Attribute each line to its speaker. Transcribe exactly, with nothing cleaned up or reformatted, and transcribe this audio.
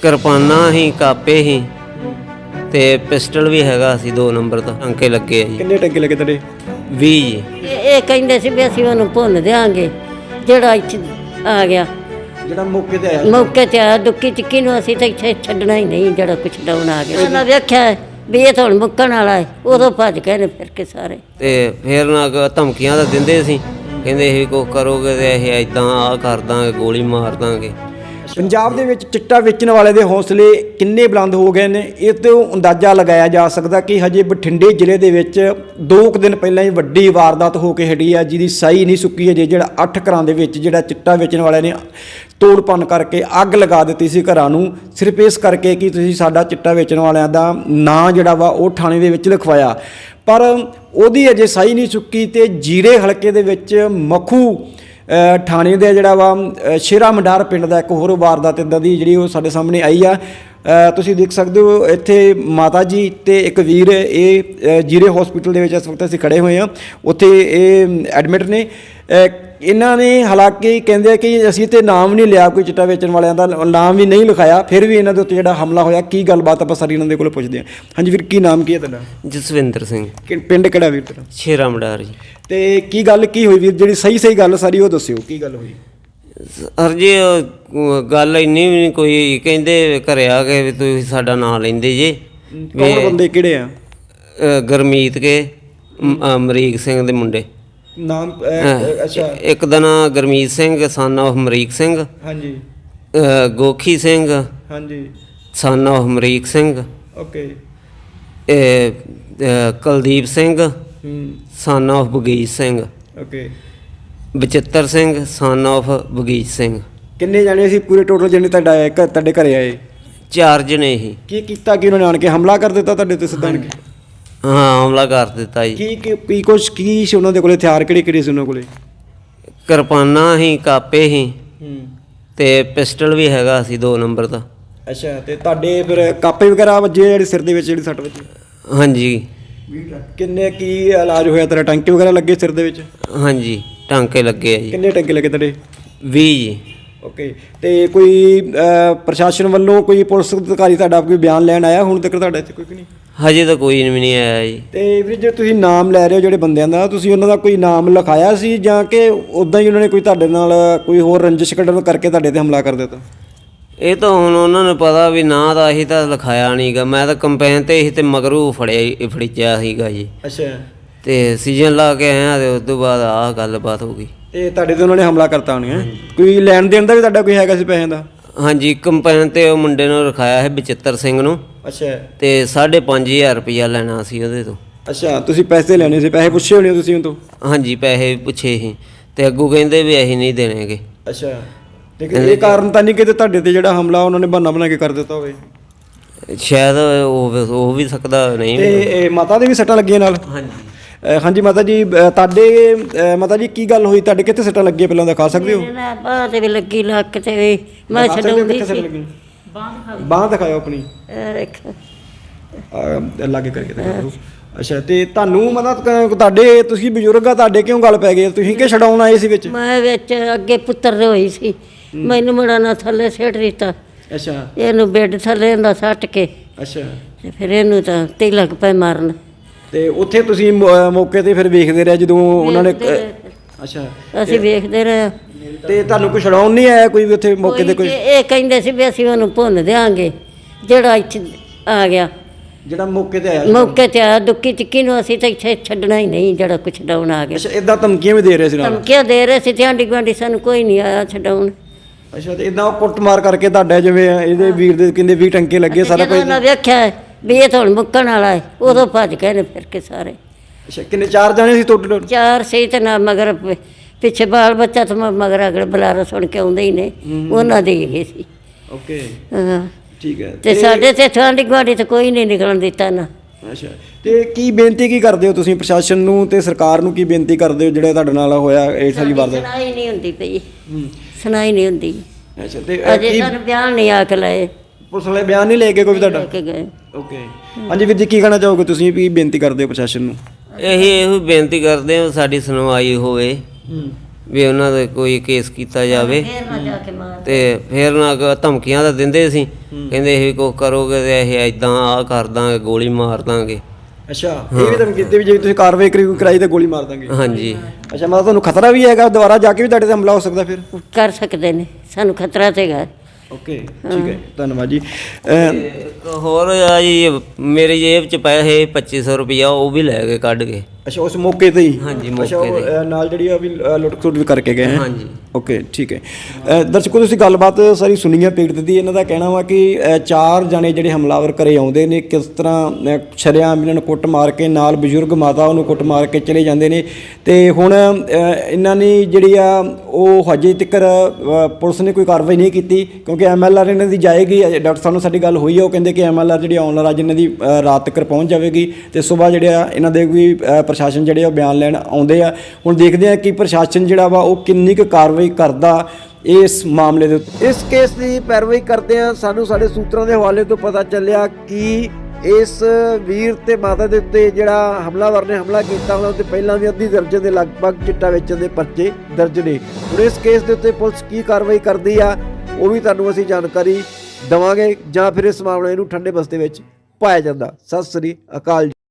Speaker 1: ਕਿਰਪਾਨਾਂ ਹੀ, ਕਾਪੇ ਹੀ ਤੇ ਪਿਸਟਲ ਵੀ ਹੈਗਾ ਸੀ ਦੋ ਨੰਬਰ ਦਾ। ਟਾਂਕੇ ਲੱਗੇ ਆ ਜੀ।
Speaker 2: ਕਿੰਨੇ ਟੰਕੇ ਲੱਗੇ ਤੁਹਾਡੇ?
Speaker 1: ਵੀਹ ਜੀ।
Speaker 3: ਇਹ ਇਹ ਕਹਿੰਦੇ ਸੀ ਵੀ ਅਸੀਂ ਉਹਨੂੰ ਭੁੰਨ ਦਿਆਂਗੇ ਜਿਹੜਾ ਇੱਥੇ ਆ ਗਿਆ,
Speaker 2: ਜਿਹੜਾ ਮੌਕੇ ਤੇ ਆਇਆ।
Speaker 3: ਮੌਕੇ ਤੇ ਆਇਆ ਦੁੱਕੀ ਚਿੱਕੀ ਨੂੰ। ਅਸੀਂ ਤਾਂ ਇੱਥੇ ਛੱਡਣਾ ਹੀ ਨਹੀਂ ਜਿਹੜਾ ਕੁਛ ਡਾਉਣ ਆ ਗਿਆ। ਉਹਨਾਂ ਵੇਖਿਆ ਵੀ ਇਹ ਤਾਂ ਹੁਣ ਮੁੱਕਣ ਵਾਲਾ ਹੈ, ਉਦੋਂ ਭੱਜ ਗਏ ਨੇ ਫਿਰ ਕੇ ਸਾਰੇ।
Speaker 1: ਤੇ ਫਿਰ ਨਾ ਕ- ਧਮਕੀਆਂ ਤਾਂ ਦਿੰਦੇ ਸੀ, ਕਹਿੰਦੇ ਇਹ ਕੁਛ ਕਰੋਗੇ ਤੇ ਇਹ ਇਦਾਂ ਆਹ ਕਰ ਦਾਂਗੇ, ਗੋਲੀ ਮਾਰ ਦਾਂਗੇ।
Speaker 2: ਪੰਜਾਬ ਦੇ ਵਿੱਚ ਚਿੱਟਾ ਵੇਚਣ ਵਾਲੇ ਦੇ ਹੌਸਲੇ ਕਿੰਨੇ ਬੁਲੰਦ ਹੋ ਗਏ ਨੇ, ਇਹ ਤੋਂ ਅੰਦਾਜ਼ਾ ਲਗਾਇਆ ਜਾ ਸਕਦਾ ਕਿ ਹਜੇ ਬਠਿੰਡੇ ਜ਼ਿਲ੍ਹੇ ਦੇ ਵਿੱਚ ਦੋ ਕੁ ਦਿਨ ਪਹਿਲਾਂ ਹੀ ਵੱਡੀ ਵਾਰਦਾਤ ਹੋ ਕੇ ਹਟੀ ਆ, ਜਿਹਦੀ ਸਾਈ ਨਹੀਂ ਸੁੱਕੀ ਅਜੇ। ਜਿਹੜਾ ਅੱਠ ਘਰਾਂ ਦੇ ਵਿੱਚ ਜਿਹੜਾ ਚਿੱਟਾ ਵੇਚਣ ਵਾਲਿਆਂ ਨੇ ਤੋੜ ਭੰਨ ਕਰਕੇ ਅੱਗ ਲਗਾ ਦਿੱਤੀ ਸੀ ਘਰਾਂ ਨੂੰ, ਸਿਰਫ ਇਸ ਕਰਕੇ ਕਿ ਤੁਸੀਂ ਸਾਡਾ ਚਿੱਟਾ ਵੇਚਣ ਵਾਲਿਆਂ ਦਾ ਨਾਂ ਜਿਹੜਾ ਵਾ ਉਹ ਥਾਣੇ ਦੇ ਵਿੱਚ ਲਿਖਵਾਇਆ। ਪਰ ਉਹਦੀ ਅਜੇ ਸਾਈ ਨਹੀਂ ਸੁੱਕੀ। ਤੇ ਜੀਰੇ ਹਲਕੇ ਦੇ ਵਿੱਚ ਮਖੂ ਥਾਣੇ ਦੇ ਜਿਹੜਾ ਵਾ ਸ਼ੇਰਾ ਮੰਡਾਰ ਪਿੰਡ ਦਾ ਇੱਕ ਹੋਰ ਵਾਰਦਾਤ ਇੱਦਾਂ ਦੀ ਜਿਹੜੀ ਉਹ ਸਾਡੇ ਸਾਹਮਣੇ ਆਈ ਆ। ਤੁਸੀਂ ਦੇਖ ਸਕਦੇ ਹੋ ਇੱਥੇ ਮਾਤਾ ਜੀ ਤੇ ਇੱਕ ਵੀਰ ਇਹ ਜੀਰੇ ਹਸਪੀਟਲ ਦੇ ਵਿੱਚ ਇਸ ਵਕਤ ਅਸੀਂ ਖੜੇ ਹੋਏ ਹਾਂ, ਉੱਥੇ ਇਹ ਐਡਮਿਟ ਨੇ। ਇਹਨਾਂ ਨੇ ਹਾਲਾਂਕਿ ਕਹਿੰਦੇ ਆ ਕਿ ਅਸੀਂ ਤੇ ਨਾਮ ਨਹੀਂ ਲਿਆ ਕੋਈ ਚਿੱਟਾ ਵੇਚਣ ਵਾਲਿਆਂ ਦਾ, ਨਾਮ ਵੀ ਨਹੀਂ ਲਿਖਾਇਆ, ਫਿਰ ਵੀ ਇਹਨਾਂ ਦੇ ਉੱਤੇ ਜਿਹੜਾ ਹਮਲਾ ਹੋਇਆ ਕੀ ਗੱਲਬਾਤ ਆਪਾਂ ਸਾਰੀ ਇਹਨਾਂ ਦੇ ਕੋਲ ਪੁੱਛਦੇ ਹਾਂ। ਹਾਂਜੀ ਵੀਰ, ਕੀ ਨਾਮ ਕੀ ਹੈ ਤੁਹਾਡਾ?
Speaker 1: ਜਸਵਿੰਦਰ ਸਿੰਘ,
Speaker 2: ਕਿ ਪਿੰਡ ਕਿਹੜਾ ਵੀਰ ਤੇਰਾ?
Speaker 1: ਸ਼ੇਰਾ ਮਡਾਰ ਜੀ।
Speaker 2: ਤੇ ਕੀ ਗੱਲ ਕੀ ਹੋਈ ਵੀਰ, ਜਿਹੜੀ ਸਹੀ ਸਹੀ ਗੱਲ ਸਾਰੀ ਉਹ ਦੱਸਿਓ, ਕੀ ਗੱਲ ਹੋਈ?
Speaker 1: ਸਰ ਜੀ ਉਹ ਗੱਲ ਇੰਨੀ ਵੀ ਨਹੀਂ, ਕੋਈ ਕਹਿੰਦੇ ਘਰੇ ਆ ਕੇ ਵੀ ਤੁਸੀਂ ਸਾਡਾ ਨਾਂ ਲੈਂਦੇ ਜੇ।
Speaker 2: ਕੌਣ ਬੰਦੇ ਕਿਹੜੇ ਆ?
Speaker 1: ਅ, ਗੁਰਮੀਤ ਕੇ, ਮ- ਅਮਰੀਕ ਸਿੰਘ ਦੇ ਮੁੰਡੇ।
Speaker 2: ਨਾਮ? ਅੱਛਾ।
Speaker 1: ਇੱਕ ਦਾ ਨਾਂ ਗੁਰਮੀਤ ਸਿੰਘ ਸਨ ਆਫ ਅਮਰੀਕ ਸਿੰਘ,
Speaker 2: ਹਾਂਜੀ।
Speaker 1: ਅ, ਗੋਖੀ ਸਿੰਘ
Speaker 2: ਹਾਂਜੀ।
Speaker 1: Son of Amrik Singh,
Speaker 2: okay.
Speaker 1: ਇਹ ਅ, ਕੁਲਦੀਪ ਸਿੰਘ
Speaker 2: ਹੂੰ।
Speaker 1: Son of Bagich Singh,
Speaker 2: okay.
Speaker 1: Bachittar Singh son of Bagich Singh.
Speaker 2: ਕਿੰਨੇ ਜਾਣੇ ਸੀ ਪੂਰੇ ਟੋਟਲ ਜਿਹਨੇ ਤੁਹਾਡਾ ਆਏ ਘਰ, ਤੁਹਾਡੇ ਘਰੇ ਆਏ?
Speaker 1: ਚਾਰ ਜਣੇ ਹੀ।
Speaker 2: ਕੀ ਕੀਤਾ ਕਿ ਉਹਨਾਂ ਨੇ ਆਣ ਕੇ ਹਮਲਾ ਕਰ ਦਿੱਤਾ ਤੁਹਾਡੇ ਤੇ ਸਿੱਧਾ ਆਣ ਕੇ?
Speaker 1: ਹਾਂ, ਹਮਲਾ ਕਰ ਦਿੱਤਾ ਜੀ।
Speaker 2: ਕੀ ਕੀ ਕੀ ਕੁਛ ਕੀ ਸੀ ਉਹਨਾਂ ਦੇ ਕੋਲੇ, ਹਥਿਆਰ ਕਿਹੜੇ ਕਿਹੜੇ ਸੀ ਉਹਨਾਂ ਕੋਲੇ?
Speaker 1: ਕਿਰਪਾਨਾਂ ਹੀ, ਕਾਪੇ ਹੀ
Speaker 2: ਹੂੰ।
Speaker 1: ਤੇ ਪਿਸਟਲ ਵੀ ਹੈਗਾ ਸੀ ਦੋ ਨੰਬਰ ਦਾ।
Speaker 2: ਅੱਛਾ। ਤੇ ਤੁਹਾਡੇ ਫਿਰ ਕਾਪੇ ਵਗੈਰਾ ਵੱਜੇ ਜਿਹੜੇ ਸਿਰ ਦੇ ਵਿੱਚ ਜਿਹੜੀ ਸੱਟ ਵੱਜੀ?
Speaker 1: ਹਾਂਜੀ।
Speaker 2: ਕਿੰਨੇ ਕੀ ਇਲਾਜ ਹੋਇਆ ਤੇਰਾ? ਟਾਂਕੇ ਵਗੈਰਾ ਲੱਗੇ ਸਿਰ ਦੇ ਵਿੱਚ?
Speaker 1: ਹਾਂਜੀ, ਟਾਂਕੇ ਲੱਗੇ ਆ ਜੀ।
Speaker 2: ਕਿੰਨੇ ਟਾਂਕੇ ਲੱਗੇ ਤੁਹਾਡੇ?
Speaker 1: ਵੀਹ ਜੀ।
Speaker 2: ਓਕੇ। ਤੇ ਕੋਈ ਪ੍ਰਸ਼ਾਸਨ ਵੱਲੋਂ ਕੋਈ ਪੁਲਿਸ ਅਧਿਕਾਰੀ ਤੁਹਾਡਾ ਕੋਈ ਬਿਆਨ ਲੈਣ ਆਇਆ ਹੁਣ ਤੱਕ ਤੁਹਾਡਾ ਇੱਥੇ? ਕੋਈ ਵੀ ਨਹੀਂ
Speaker 1: ਹਜੇ ਤਾਂ ਕੋਈ ਵੀ ਨਹੀਂ ਆਇਆ ਜੀ।
Speaker 2: ਤੇ ਵੀਰ ਜੇ ਤੁਸੀਂ ਨਾਮ ਲੈ ਰਹੇ ਹੋ ਜਿਹੜੇ ਬੰਦਿਆਂ ਦਾ, ਤੁਸੀਂ ਉਹਨਾਂ ਦਾ ਕੋਈ ਨਾਮ ਲਿਖਾਇਆ ਸੀ ਜਾਂ ਕਿ ਉੱਦਾਂ ਹੀ ਉਹਨਾਂ ਨੇ ਕੋਈ ਤੁਹਾਡੇ ਨਾਲ ਕੋਈ ਹੋਰ ਰੰਜਿਸ਼ ਕੱਢਣ ਕਰਕੇ ਤੁਹਾਡੇ ਤੇ ਹਮਲਾ ਕਰ ਦਿੱਤਾ?
Speaker 1: ਇਹ ਤਾਂ ਹੁਣ ਉਹਨਾਂ ਨੂੰ ਪਤਾ ਵੀ ਨਾ ਤਾਂ ਅਸੀਂ ਤਾਂ ਲਿਖਾਇਆ ਨਹੀਂ ਗਾ, ਮੈਂ ਤਾਂ ਕੰਪੇਨ ਤੇ ਸੀ ਤੇ ਮਗਰੂ ਫੜਿਆ ਫੜਿਆ ਸੀਗਾ ਜੀ।
Speaker 2: ਅੱਛਾ।
Speaker 1: ਤੇ ਸੀਜ਼ਨ ਲਾ ਕੇ ਆਇਆ ਤੇ ਉਸ ਤੋਂ ਬਾਅਦ ਆਹ ਗੱਲਬਾਤ ਹੋ ਗਈ।
Speaker 2: ਤੇ ਤੁਹਾਡੇ ਤੇ ਉਹਨਾਂ ਨੇ ਹਮਲਾ ਕਰਤਾ ਹੋਣੀ ਹੈ? ਕੋਈ ਲੈਣ ਦੇਣ ਦਾ ਵੀ ਤੁਹਾਡਾ ਕੋਈ ਹੈਗਾ ਸੀ ਪੈਸਿਆਂ ਦਾ?
Speaker 1: ਹਾਂਜੀ, ਕੰਪੇਨ ਤੇ ਉਹ ਮੁੰਡੇ ਨੂੰ ਰਖਾਇਆ ਹੈ ਬਚਿੱਤਰ ਸਿੰਘ ਨੂੰ।
Speaker 2: ਅੱਛਾ।
Speaker 1: ਤੇ ਸਾਢੇ ਪੰਜ ਹਜ਼ਾਰ ਰੁਪਈਆ ਲੈਣਾ ਸੀ ਉਹਦੇ ਤੋਂ।
Speaker 2: ਅੱਛਾ। ਤੁਸੀਂ ਪੈਸੇ ਲੈਣੇ ਸੀ, ਪੈਸੇ ਪੁੱਛੇ ਹੋਣੇ ਤੁਸੀਂ ਉਹ ਤੋਂ?
Speaker 1: ਹਾਂਜੀ, ਪੈਸੇ ਪੁੱਛੇ ਸੀ ਤੇ ਅੱਗੋਂ ਕਹਿੰਦੇ ਵੀ ਅਸੀਂ ਨਹੀਂ ਦੇਣਗੇ।
Speaker 2: ਅੱਛਾ। ਤੇ ਇਹ ਕਾਰਨ ਤਾਂ ਨਹੀਂ ਕਿ ਤੁਹਾਡੇ ਤੇ ਜਿਹੜਾ ਹਮਲਾ ਉਹਨਾਂ ਨੇ ਬਹਾਨਾ ਬਣਾ ਕੇ ਕਰ ਦਿੱਤਾ ਹੋਵੇ?
Speaker 1: ਸ਼ਾਇਦ ਉਹ ਹੋ ਵੀ ਸਕਦਾ ਨਹੀਂ।
Speaker 2: ਤੇ ਇਹ ਮਾਤਾ ਦੇ ਵੀ ਸੱਟਾਂ ਲੱਗੀਆਂ ਨਾਲ?
Speaker 1: ਹਾਂਜੀ।
Speaker 2: ਅ, ਹਾਂਜੀ ਮਾਤਾ ਜੀ, ਅ, ਤੁਹਾਡੇ ਅ, ਮਾਤਾ ਜੀ ਕੀ ਗੱਲ ਹੋਈ, ਤੁਹਾਡੇ ਕਿੱਥੇ ਸੱਟਾਂ ਲੱਗੀਆਂ ਪਹਿਲਾਂ ਦਿਖਾ ਸਕਦੇ ਹੋ?
Speaker 3: ਨਾ ਬਾਹ ਤੇ ਵੀ ਲੱਗੀ, ਲੱਕ ਤੇ ਵੀ। ਮੈਂ ਛਡਾਉਂਦੀ ਸੀ।
Speaker 2: ਬਾਂਹ ਦਿਖਾਓ ਆਪਣੀ।
Speaker 3: ਇਹ ਦੇਖ।
Speaker 2: ਅ, ਲਾਗੇ ਕਰਕੇ ਦਿਖਾਓ। ਅੱਛਾ। ਤੇ ਤੁਹਾਨੂੰ ਮਤਲਬ ਕ- ਤੁਹਾਡੇ ਤੁਸੀਂ ਬਜ਼ੁਰਗ ਆ, ਤੁਹਾਡੇ ਕਿਉਂ ਗੱਲ ਪੈ ਗਈ? ਤੁਸੀਂ ਕਿ ਛਡਾਉਣ ਆਏ ਸੀ ਵਿੱਚ?
Speaker 3: ਮੈਂ ਵਿੱਚ ਅੱਗੇ ਪੁੱਤਰ ਦੇ ਹੋਈ ਸੀ, ਮੈਨੂੰ ਮੁੰਡਾ ਨਾ ਥੱਲੇ ਸਿੱਟ ਦਿੱਤਾ।
Speaker 2: ਅੱਛਾ।
Speaker 3: ਇਹਨੂੰ ਬੈੱਡ ਥੱਲੇ ਹੁੰਦਾ ਸੱਟ ਕੇ
Speaker 2: ਅੱਛਾ।
Speaker 3: ਤੇ ਫਿਰ ਇਹਨੂੰ ਤਾਂ ਤੇ ਲੱਗ ਪਏ ਮਾਰਨ।
Speaker 2: ਤੇ ਉੱਥੇ ਤੁਸੀਂ ਮੌ- ਮੌਕੇ ਤੇ ਫਿਰ ਵੇਖਦੇ ਰਹੇ ਜਦੋਂ ਉਹਨਾਂ ਨੇ?
Speaker 3: ਵੇਖਦੇ ਰਹੇ।
Speaker 2: ਅੱਛਾ।
Speaker 3: ਅਸੀਂ ਵੇਖਦੇ ਰਹੇ।
Speaker 2: ਤੇ ਤੁਹਾਨੂੰ ਕੋਈ ਛਡਾਉਣ ਨਹੀਂ ਆਇਆ ਕੋਈ ਵੀ ਉੱਥੇ ਮੌਕੇ ਤੇ
Speaker 3: ਕੋਈ
Speaker 2: ਕੋਈ?
Speaker 3: ਇਹ ਕਹਿੰਦੇ ਸੀ ਵੀ ਅਸੀਂ ਉਹਨੂੰ ਭੁੰਨ ਦਿਆਂਗੇ ਜਿਹੜਾ ਇੱਥੇ ਆ ਗਿਆ,
Speaker 2: ਜਿਹੜਾ ਮੌਕੇ ਤੇ ਆਇਆ?
Speaker 3: ਮੌਕੇ ਤੇ ਆਇਆ ਦੁੱਕੀ ਚਿੱਕੀ ਨੂੰ। ਅਸੀਂ ਤਾਂ ਇੱਥੇ ਛੱਡਣਾ ਹੀ ਨਹੀਂ ਜਿਹੜਾ ਕੁਛ ਡਾਉਣ ਆ ਗਿਆ।
Speaker 2: ਅੱਛਾ। ਇਦਾਂ ਧਮਕੀਆਂ ਵੀ ਦੇ ਰਹੇ ਸੀ ਨਾਲ?
Speaker 3: ਧਮਕੀਆਂ ਦੇ ਰਹੇ ਸੀ ਤੇ ਆਂਢੀ ਗੁਆਂਢੀ, ਸਾਨੂੰ ਕੋਈ ਨਹੀਂ ਆਇਆ ਛਡਾਉਣ।
Speaker 2: ਅੱਛਾ। ਤੇ ਇਦਾਂ ਉਹ ਕੁੱਟਮਾਰ ਕਰਕੇ ਤੁਹਾਡਾ ਜਿਵੇਂ ਇਹਦੇ ਵੀਰ ਦੇ ਕਹਿੰਦੇ ਵੀਹ ਟੰਕੇ ਲੱਗੇ ਸਾਰਾ
Speaker 3: ਜਦੋਂ
Speaker 2: ਕੁਝ?
Speaker 3: ਉਹਨਾਂ ਵੇਖਿਆ ਵੀ ਇਹ ਤਾਂ ਹੁਣ ਮੁੱਕਣ ਵਾਲਾ ਹੈ, ਉਦੋਂ ਭੱਜ ਗਏ ਨੇ ਫਿਰ ਕੇ ਸਾਰੇ।
Speaker 2: ਅੱਛਾ। ਕਿੰਨੇ? ਚਾਰ ਜਾਣੇ ਸੀ ਟੋਟਲ?
Speaker 3: ਚਾਰ ਸਹੀ ਤੇ ਨਾ ਮਗਰ ਪ- ਪਿੱਛੇ ਬਾਲ ਬੱਚਾ ਤੇ ਮ- ਮਗਰ ਅਗਲੇ ਬੁਲਾਰਾ ਸੁਣ ਕੇ ਆਉਂਦੇ ਹੀ ਨੇ, ਉਹਨਾਂ ਦੇ ਇਹ ਸੀ।
Speaker 2: ਓਕੇ।
Speaker 3: ਹਾਂ।
Speaker 2: ਠੀਕ ਹੈ।
Speaker 3: ਤੇ ਸਾਡੇ ਤੇ ਆਂਢੀ ਗੁਆਂਢੀ ਤੇ ਕੋਈ ਨਹੀਂ ਨਿਕਲਣ ਦਿੱਤਾ ਨਾ।
Speaker 2: ਅੱਛਾ। ਤੇ ਕੀ ਬੇਨਤੀ ਕੀ ਕਰਦੇ ਹੋ ਤੁਸੀਂ ਪ੍ਰਸ਼ਾਸਨ ਨੂੰ ਤੇ ਸਰਕਾਰ ਨੂੰ? ਕੀ ਬੇਨਤੀ ਕਰਦੇ ਹੋ ਜਿਹੜਾ ਤੁਹਾਡੇ ਨਾਲ ਹੋਇਆ ਇਹ ਸਾਰੀ ਵਾਰਦਾਤ?
Speaker 3: ਸੁਣਾਈ ਨਹੀਂ ਹੁੰਦੀ ਪਈ, ਸੁਣਾਈ ਨਹੀਂ ਹੁੰਦੀ।
Speaker 2: ਅੱਛਾ। ਤੇ ਅ,
Speaker 3: ਅਜੇ
Speaker 2: ਕੀ
Speaker 3: ਸਾਨੂੰ ਬਿਆਨ ਨਹੀਂ ਆ ਕੇ ਲਏ,
Speaker 2: ਪੁਲਿਸ ਵਾਲੇ ਬਿਆਨ ਨਹੀਂ ਲੈ ਕੇ ਕੋਈ ਤੁਹਾਡਾ?
Speaker 3: ਲੈ ਕੇ ਗਏ।
Speaker 2: ਓਕੇ। ਹਾਂਜੀ ਵੀਰ ਜੀ, ਕੀ ਕਹਿਣਾ ਚਾਹੋਗੇ ਤੁਸੀਂ, ਵੀ ਬੇਨਤੀ ਕਰਦੇ ਹੋ ਪ੍ਰਸ਼ਾਸਨ ਨੂੰ?
Speaker 1: ਇਹੀ ਇਹੋ ਬੇਨਤੀ ਕਰਦੇ ਹਾਂ ਸਾਡੀ ਸੁਣਵਾਈ ਹੋਵੇ। ਵੀ ਉਹਨਾਂ ਦੇ ਕੋਈ ਕੇਸ ਕੀਤਾ ਜਾਵੇ
Speaker 3: ਫੇਰ ਨਾ ਜਾ ਕੇ ਮਾਰ
Speaker 1: ਤੇ ਫਿਰ ਨਾ ਕ- ਧਮਕੀਆਂ ਤਾਂ ਦਿੰਦੇ ਸੀ, ਕਹਿੰਦੇ ਇਹ ਕੁਛ ਕਰੋਗੇ ਤੇ ਇਹ ਇਦਾਂ ਆ ਕਰ ਦਾਂਗੇ, ਗੋਲੀ ਮਾਰ ਦਾਂਗੇ।
Speaker 2: ਅੱਛਾ, ਇਹ ਵੀ ਧਮਕੀ ਦਿੱਤੀ ਵੀ ਜੇ ਤੁਸੀਂ ਕਾਰਵਾਈ ਕਰੀ ਕਰਾਈ ਤਾਂ ਗੋਲੀ ਮਾਰ ਦਾਂਗੇ।
Speaker 1: ਹਾਂਜੀ
Speaker 2: ਅੱਛਾ, ਮਤਲਬ ਤੁਹਾਨੂੰ ਖਤਰਾ ਵੀ ਹੈਗਾ ਦੁਬਾਰਾ ਜਾ ਕੇ ਵੀ ਤੁਹਾਡੇ ਤੇ ਹਮਲਾ ਹੋ ਸਕਦਾ ਫਿਰ?
Speaker 3: ਕਰ ਸਕਦੇ ਨੇ, ਸਾਨੂੰ ਖਤਰਾ ਤੇ ਹੈਗਾ।
Speaker 2: ਓਕੇ, ਠੀਕ ਹੈ, ਧੰਨਵਾਦ ਜੀ। ਅਮ,
Speaker 1: ਇੱਕ ਹੋਰ ਆ ਜੀ, ਮੇਰੀ ਜੇਬ 'ਚ ਪਏ ਸੀ ਪੱਚੀ ਸੌ ਰੁਪਈਆ, ਉਹ ਵੀ ਲੈ ਕੇ ਕੱਢ ਕੇ।
Speaker 2: ਅੱਛਾ, ਉਸ ਮੌਕੇ ਤੇ ਹੀ?
Speaker 1: ਹਾਂਜੀ,
Speaker 2: ਅੱਛਾ,
Speaker 1: ਮੌਕੇ
Speaker 2: ਉਹ,
Speaker 1: ਤੇ।
Speaker 2: ਅ, ਨਾਲ ਜਿਹੜੀ ਆ ਵੀ ਅ, ਲੁੱਟ ਖਸੁੱਟ ਵੀ ਕਰਕੇ ਗਏ ਹੈ?
Speaker 1: ਹਾਂਜੀ।
Speaker 2: ਓਕੇ, ਠੀਕ ਹੈ। ਅ, ਦਰਸ਼ਕੋ, ਤੁਸੀਂ ਗੱਲਬਾਤ ਸਾਰੀ ਸੁਣੀ ਹੈ ਪੀੜਤ ਦੀ। ਇਹਨਾਂ ਦਾ ਕਹਿਣਾ ਵਾ ਕਿ ਅ, ਚਾਰ ਜਾਣੇ ਜਿਹੜੇ ਹਮਲਾਵਰ ਘਰੇ ਆਉਂਦੇ ਨੇ, ਕਿਸ ਤਰ੍ਹਾਂ ਅ, ਸ਼ਰੇਆਮ ਇਹਨਾਂ ਨੂੰ ਕੁੱਟ ਮਾਰ ਕੇ, ਨਾਲ ਬਜ਼ੁਰਗ ਮਾਤਾ ਉਹਨੂੰ ਕੁੱਟ ਮਾਰ ਕੇ ਚਲੇ ਜਾਂਦੇ ਨੇ। ਤੇ ਹੁਣ ਅ, ਇਹਨਾਂ ਨੇ ਜਿਹੜੀ ਆ ਉਹ ਹਜੇ ਤੱਕ ਪੁਲਿਸ ਨੇ ਕੋਈ ਕਾਰਵਾਈ ਨਹੀਂ ਕੀਤੀ, ਕਿਉਂਕਿ ਐਮ ਐਲ ਆਰ ਇਹਨਾਂ ਦੀ ਜਾਏਗੀ। ਅਜੇ ਡਾਕਟਰ ਸਾਹਿਬ ਨਾਲ ਸਾਡੀ ਗੱਲ ਹੋਈ ਹੈ, ਉਹ ਕਹਿੰਦੇ ਕਿ ਐਮ ਐਲ ਆਰ ਜਿਹੜੀ ਆਉਣ ਵਾਲਾ ਅੱਜ ਇਹਨਾਂ ਦੀ ਅ, ਰਾਤ ਤੱਕ ਪਹੁੰਚ ਜਾਵੇਗੀ ਤੇ ਸਵੇਰ ਜਿਹੜੇ ਆ ਇਹਨਾਂ ਦੇ ਵੀ ਅ, ਪ੍ਰਸ਼ਾਸਨ ਜਿਹੜੇ ਆ ਉਹ ਬਿਆਨ ਲੈਣ ਆਉਂਦੇ ਆ। ਹੁਣ ਦੇਖਦੇ ਆ ਕਿ ਪ੍ਰਸ਼ਾਸਨ ਜਿਹੜਾ ਵਾ ਉਹ ਕਿੰਨੀ ਕੁ ਕਾਰਵਾਈ ਕਰਦਾ ਇਸ ਮਾਮਲੇ ਦੇ ਉੱਤੇ। ਇਸ ਕੇਸ ਦੀ ਪੈਰਵਾਈ ਕਰਦੇ ਆ, ਸਾਨੂੰ ਸਾਡੇ ਸੂਤਰਾਂ ਦੇ ਹਵਾਲੇ ਤੋਂ ਪਤਾ ਚੱਲਿਆ ਕਿ ਇਸ ਵੀਰ ਤੇ ਮਾਤਾ ਦੇ ਉੱਤੇ ਜਿਹੜਾ ਹਮਲਾਵਰ ਨੇ ਹਮਲਾ ਕੀਤਾ ਉਹਨਾਂ ਉੱਤੇ ਪਹਿਲਾਂ ਵੀ ਅੱਧੀ ਦਰਜਨ ਦੇ ਲਗਭਗ ਚਿੱਟਾ ਵੇਚਣ ਦੇ ਪਰਚੇ ਦਰਜ ਨੇ। ਹੁਣ ਇਸ ਕੇਸ ਦੇ ਉੱਤੇ ਪੁਲਿਸ ਕੀ ਕਾਰਵਾਈ ਕਰਦੀ ਆ ਉਹ ਵੀ ਤੁਹਾਨੂੰ ਅਸੀਂ ਜਾਣਕਾਰੀ ਦੇਵਾਂਗੇ, ਜਾਂ ਫਿਰ ਇਸ ਮਾਮਲੇ ਨੂੰ ਠੰਡੇ ਬਸਤੇ ਵਿੱਚ ਪਾਇਆ ਜਾਂਦਾ। ਸਤਿ ਸ੍ਰੀ ਅਕਾਲ ਜੀ।